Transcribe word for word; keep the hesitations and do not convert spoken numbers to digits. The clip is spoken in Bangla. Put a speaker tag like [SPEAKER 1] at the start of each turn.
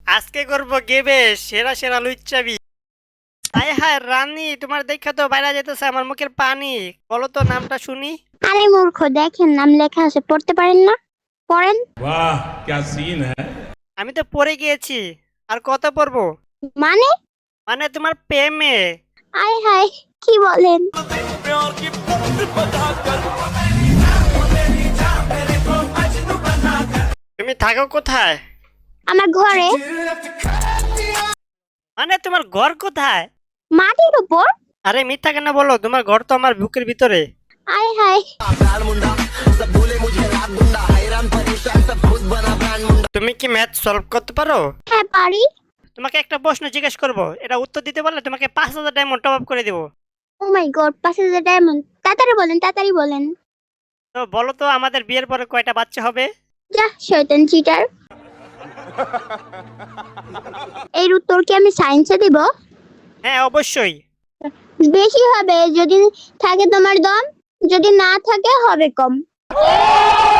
[SPEAKER 1] আজকে করবো গেবে সেরা সেরা লুচ্চাবি। হায় হায় রানী, তোমার দেখা তো বাইরে যেতেছে আমার মুখের পানি। বলো তো নামটা শুনি।
[SPEAKER 2] আরে মূর্খ, দেখেন নাম লেখা আছে, পড়তে পারেন না? পড়েন।
[SPEAKER 3] वाह क्या सीन है।
[SPEAKER 1] আমি তো পড়ে গিয়েছি, আর কত পড়বো?
[SPEAKER 2] মানে?
[SPEAKER 1] মানে তোমার প্রেমে।
[SPEAKER 2] আয় হায়, কি বলেন?
[SPEAKER 1] তুমি থাকো কোথায়?
[SPEAKER 2] আমার ঘরে।
[SPEAKER 1] মানে তোমার ঘর কোথায়?
[SPEAKER 2] মাটির উপর।
[SPEAKER 1] আরে মিথ্যা কেন বলো, তোমার ঘর তো আমার বুকের ভিতরে।
[SPEAKER 2] আয় হায়।
[SPEAKER 1] তুমি কি ম্যাথ সলভ করতে পারো?
[SPEAKER 2] হ্যাঁ পারি।
[SPEAKER 1] তোমাকে একটা প্রশ্ন জিজ্ঞেস করবো, এটা উত্তর দিতে পারলে তোমাকে পাঁচ হাজার ডায়মন্ড টপ আপ করে দেবো।
[SPEAKER 2] ও মাই গড, পাঁচ হাজার ডায়মন্ড! তাড়াতাড়ি বলেন, তাড়াতাড়ি বলেন।
[SPEAKER 1] তো বলো তো আমাদের বিয়ের পরে কয়টা বাচ্চা হবে?
[SPEAKER 2] যা শয়তান চিটার। এর উত্তর কি আমি সায়েন্সে দিব?
[SPEAKER 1] হ্যাঁ অবশ্যই।
[SPEAKER 2] বেশি হবে যদি থাকে তোমার দম, যদি না থাকে হবে কম।